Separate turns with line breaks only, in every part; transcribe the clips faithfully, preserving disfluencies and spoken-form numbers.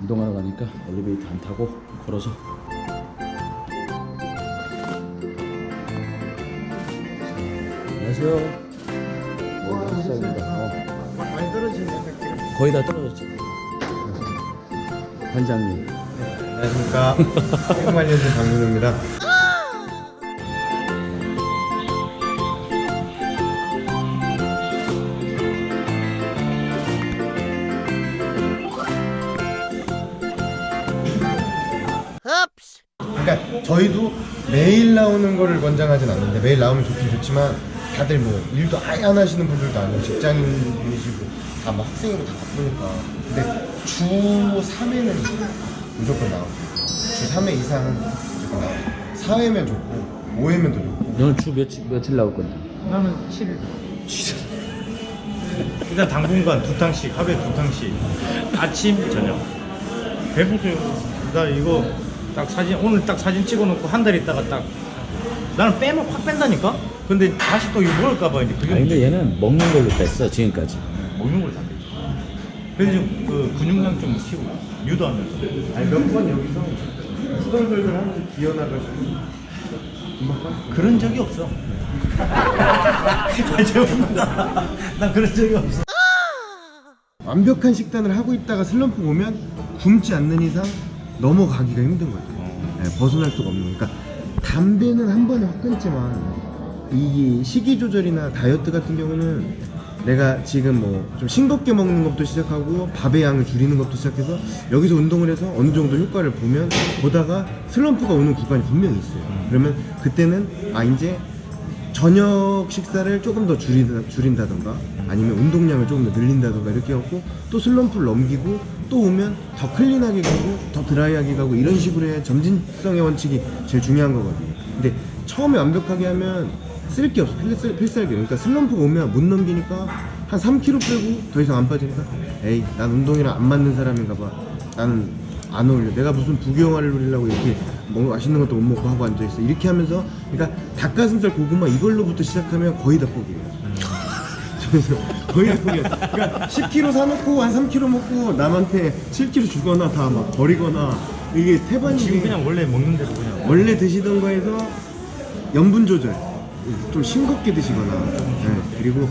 운동하러 가니까 엘리베이터 안 타고 걸어서. 안녕하세요. 네, 시작입니다. 어.
많이 떨어지네 느낌.
거의 다 떨어졌죠. 반장님.
안녕하십니까. 생활연수 강민호입니다. 그러니까 저희도 매일 나오는 거를 권장하진 않는데, 매일 나오면 좋긴 좋지만 다들 뭐 일도 아예 안 하시는 분들도 아니고 직장인분이시고 다 뭐 학생이고 다 바쁘니까. 근데 주 삼 회는 무조건 나오고, 주 삼 회 이상은 무조건 나오고, 사 회면 좋고 오 회면 더 좋고.
너는 주 며칠, 며칠 나올 건데?
나는 칠 일. 일단 당분간 두 탕씩, 하루에 두 탕씩. 아침, 저녁. 배부세요. 나 이거 딱 사진, 오늘 딱 사진 찍어놓고 한 달 있다가 딱. 나는 빼면 확 뺀다니까? 근데 다시 또 이거 먹을까봐 이제 그게.
아니 근데 얘는 먹는 걸로 뺐어 지금까지.
먹는 걸 다 빼지. 그래서 좀 그 근육량 좀 키우고, 유도하면서.
아니 몇 번 여기서 후덜덜덜 하면서 기어나가지고 금방 빠졌어.
그런 적이 없어. 아, 죄송합니다. 난 그런 적이 없어.
완벽한 식단을 하고 있다가 슬럼프 오면 굶지 않는 이상 넘어가기가 힘든 거죠.
어.
네, 벗어날 수가 없는. 그러니까 담배는 한 번에 확 끊지만 이 식이 조절이나 다이어트 같은 경우는 내가 지금 뭐 좀 싱겁게 먹는 것부터 시작하고 밥의 양을 줄이는 것부터 시작해서 여기서 운동을 해서 어느 정도 효과를 보면 보다가 슬럼프가 오는 구간이 분명히 있어요. 그러면 그때는 아 이제 저녁 식사를 조금 더 줄이다, 줄인다던가 아니면 운동량을 조금 더 늘린다던가 이렇게 해갖고 또 슬럼프를 넘기고 또 오면 더 클린하게 가고 더 드라이하게 가고 이런 식으로 해야 점진성의 원칙이 제일 중요한 거거든요. 근데 처음에 완벽하게 하면 쓸 게 없어. 필살, 필살기. 그러니까 슬럼프가 오면 못 넘기니까 한 삼 킬로그램 빼고 더 이상 안 빠지니까 에이 난 운동이랑 안 맞는 사람인가 봐. 나는 안 어울려. 내가 무슨 부경화를 누리려고 이렇게 뭐 맛있는 것도 못 먹고 하고 앉아있어. 이렇게 하면서 그러니까 닭가슴살 고구마 이걸로부터 시작하면 거의 다 포기해요. 그래서 거의 다 포기해요. 그러니까 십 킬로그램 사놓고 한 삼 킬로그램 먹고 남한테 칠 킬로그램 주거나 다 막 버리거나 이게 태반이
지금 그냥 원래 먹는 대로 그냥.
원래 드시던 거에서 염분 조절 좀 싱겁게 드시거나 네. 그리고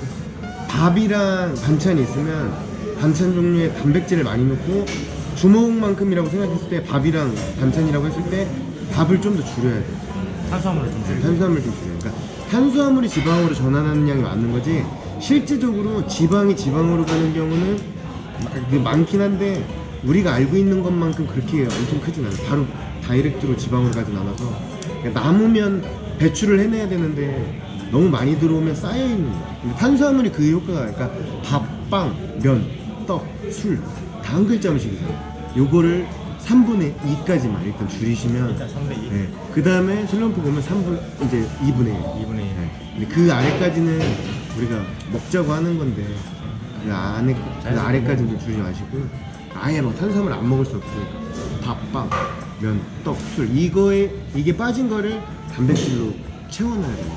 밥이랑 반찬이 있으면 반찬 종류에 단백질을 많이 넣고 주먹만큼이라고 생각했을 때 밥이랑 반찬이라고 했을 때 밥을 좀 더 줄여야 돼요.
탄수화물을 좀 줄이고.
탄수화물 좀 줄여요. 그러니까 탄수화물이 지방으로 전환하는 양이 많은 거지 실질적으로 지방이 지방으로 가는 경우는 많긴 한데 우리가 알고 있는 것만큼 그렇게 엄청 크진 않아요. 바로 다이렉트로 지방으로 가진 않아서 그러니까 남으면 배출을 해내야 되는데 너무 많이 들어오면 쌓여있는 거예요. 탄수화물이 그 효과가 그러니까 밥, 빵, 면, 떡, 술 다 한 글자 음식이잖아요. 요거를 삼분의 이까지만 일단 줄이시면
일단 삼분의 이.
네. 그 다음에 슬럼프 보면 삼분 이제 이분의 일.
이분의 일.
네. 근데 그 아래까지는 우리가 먹자고 하는 건데 그 안에 그 아래까지는 좀 줄이지 마시고 아예 뭐 탄수화물 안 먹을 수 없으니까 밥, 빵, 면, 떡, 술 이거에 이게 빠진 거를 단백질로 채워놔야 돼요.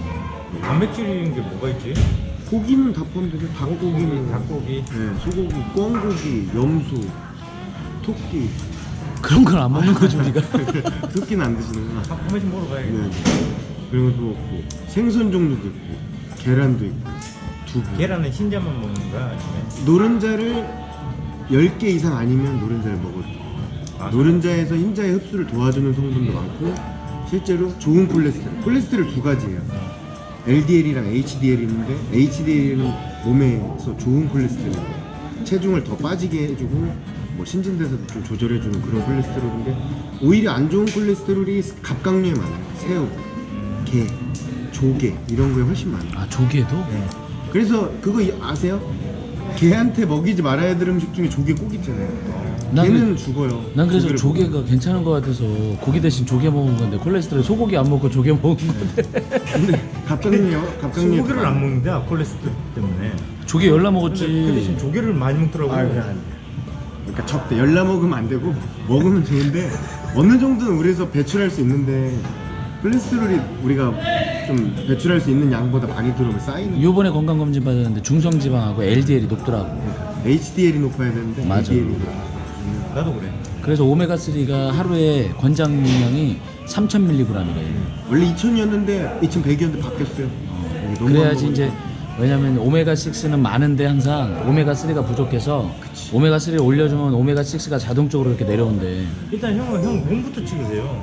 단백질인 게 뭐가 있지?
고기는 다 포함되죠. 닭고기는
닭고기.
네, 소고기, 꿩고기, 염소, 토끼.
그런 걸 안 먹는 거지 우리가.
토끼는 안 드시는구나.
한 번씩 먹으러 가야겠다.
네. 그리고 또 뭐 생선 종류도 있고 계란도 있고 두부.
계란은 흰자만 먹는 거야? 아니면?
노른자를 열 개 이상 아니면 노른자를 먹어도 돼요.
아,
노른자에서 흰자의 흡수를 도와주는 성분도 많고 실제로 좋은 콜레스테롤 콜레스테롤 두 가지예요. 엘디엘이랑 에이치디엘이 있는데 에이치디엘은 몸에서 좋은 콜레스테롤 체중을 더 빠지게 해주고 뭐 신진대사도 좀 조절해주는 그런 콜레스테롤인데 오히려 안 좋은 콜레스테롤이 갑각류에 많아요. 새우, 게, 조개 이런 거에 훨씬 많아요.
아 조개도?
네. 그래서 그거 아세요? 개한테 먹이지 말아야 될 음식 중에 조개 꼭 있잖아요.
난
걔는
그-
죽어요.
난 그래서
조개를
조개가
먹으면.
괜찮은 거 같아서 고기 대신 조개 먹은 건데 콜레스테롤 소고기 안 먹고 조개 먹은 건데.
근데 갑각류요? 갑각류
소고기를 안 먹는데 콜레스테롤 때문에.
조개 열나
근데
먹었지.
그 대신 조개를 많이 먹더라고.
아, 그래 안 돼. 그러니까 적대 열나 먹으면 안 되고 먹으면 좋은데 어느 정도는 우리에서 배출할 수 있는데 콜레스테롤이 우리가 좀 배출할 수 있는 양보다 많이 들어오면 쌓이는.
요번에 건강검진 받았는데 중성지방하고 엘디엘이 높더라고.
에이치디엘이 높아야 되는데
맞아.
엘디엘이
나도 그래.
그래서 오메가삼가 하루에 권장량이 삼천 밀리그램이래.
원래 이천이었는데 이천백이었는데 바뀌었어요.
어,
너무
그래야지
안
이제 왜냐면 오메가육는 많은데 항상 오메가삼가 부족해서 오메가삼을 올려주면 오메가육가 자동적으로 이렇게 내려온대.
일단 형은 형 몸부터 찍으세요.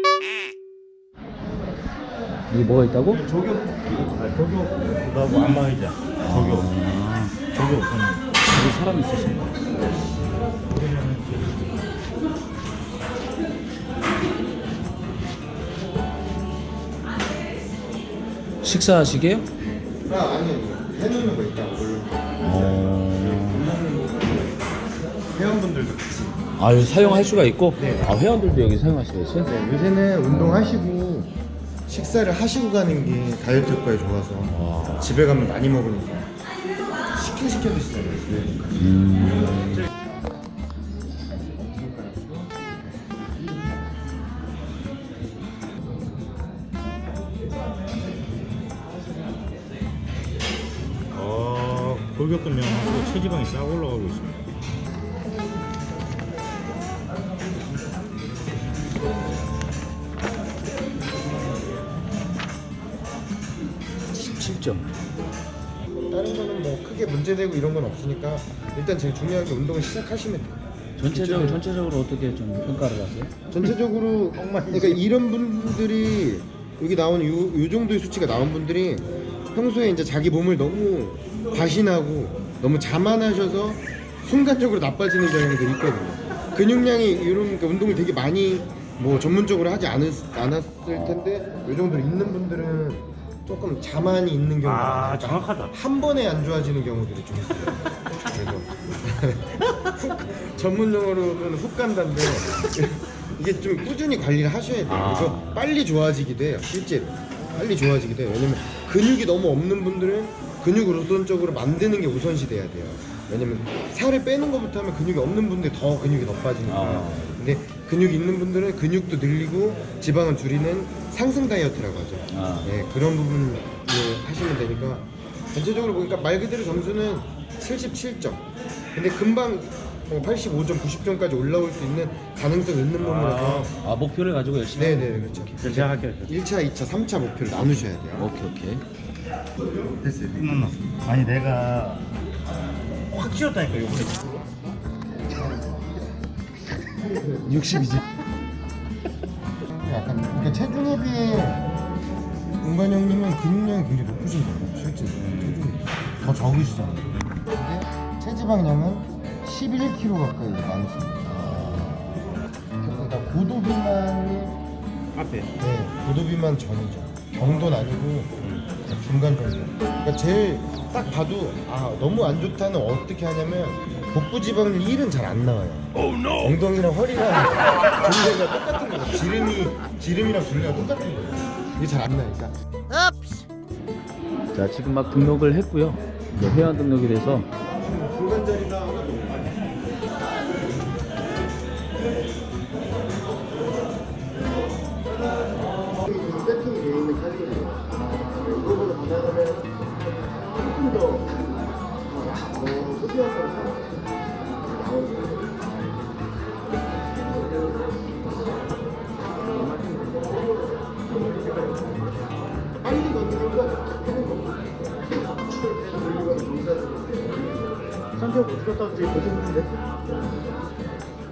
이게 뭐가 있다고?
저격, 아, 저격, 나고 안마의자. 저격,
아,
저격.
여기 사람이 있으신가? 식사하시게요?
아 아니요 해놓는 거 있다고 물론
어...
회원분들도 같이.
아 여기 사용할 수가 있고?
네.
아 회원들도 여기 사용할 수가 있어요?
네, 요새는 운동하시고 식사를 하시고 가는 게 다이어트 효과에 좋아서
와.
집에 가면 많이 먹으니까 시켜 시켜 드시잖아요.
음...
어, 골격근량하고 체지방이 싹 올라가고 있습니다.
십칠 점.
다른 거는 뭐 크게 문제되고 이런 건 없으니까 일단 제일 중요한 게 운동을 시작하시면 돼요.
전체적으로 전체적으로 어떻게 좀 평가를 하세요?
전체적으로 그러니까 이런 분들이 여기 나오는 요, 요 정도의 수치가 나온 분들이 평소에 이제 자기 몸을 너무 과신하고 너무 자만하셔서 순간적으로 나빠지는 경향들이 있거든요. 근육량이 이런 그러니까 운동을 되게 많이 뭐 전문적으로 하지 않았, 않았을 텐데 요 정도로 있는 분들은 조금 자만이 있는 경우가
아,
많아요.
정확하다.
한 번에 안 좋아지는 경우들이 좀 있어요. 그래서 훅, 전문 용어로는 훅 간다인데 이게 좀 꾸준히 관리를 하셔야 돼요.
아.
그래서 빨리 좋아지기도 해요. 실제로 빨리 좋아지기도 해요. 왜냐면 근육이 너무 없는 분들은 근육을 우선적으로 만드는 게 우선시 돼야 돼요. 왜냐면 살을 빼는 것부터 하면 근육이 없는 분들이 더 근육이 더 빠지니까.
아.
근데 근육이 있는 분들은 근육도 늘리고 지방을 줄이는 상승 다이어트라고 하죠.
아.
네, 그런 부분을 하시면 되니까 전체적으로 보니까 말 그대로 점수는 칠십칠 점. 근데 금방 팔십오 점, 구십 점까지 올라올 수 있는 가능성이 있는 몸이라서.
아 목표를 가지고 열심히.
네네 그렇죠.
그래서 제가 할게요.
일 차, 이 차, 삼 차 목표를 나누셔야 돼요.
오케이 오케이.
됐어요.
끝났어. 아니 내가 확 찌웠다니까 요번에.
육십이지.
약간 그러니까 체중에 비해 은관 형님은 근육량이 굉장히 높으신 거예요. 실제 체중이 더 적으시잖아요. 근데 체지방량은 십일 킬로그램 가까이 많으십니다. 그러니까 고도 비만이
앞에.
네, 고도 비만 전이죠. 정도는 아니고 중간 정도. 그러니까 제일 딱 봐도 아 너무 안 좋다는 어떻게 하냐면 복부 지방 일은 잘 안 나와요. 엉덩이랑 허리랑 둘레가 똑같은 거죠. 지름이 지름이랑 둘레가 똑같은 거예요. 이게 잘 안 나니까.
자 지금 막 등록을 했고요. 이제 회원 등록이 돼서
중간 자리가 하나 더. 세팅이 되어 있는 카드예요. 이거보다 받아가면 조금 더 어, 소비한 걸 나오고. 빨리 걷는 것보다 하는 거. 성격 어떻게 떴지 보시는데?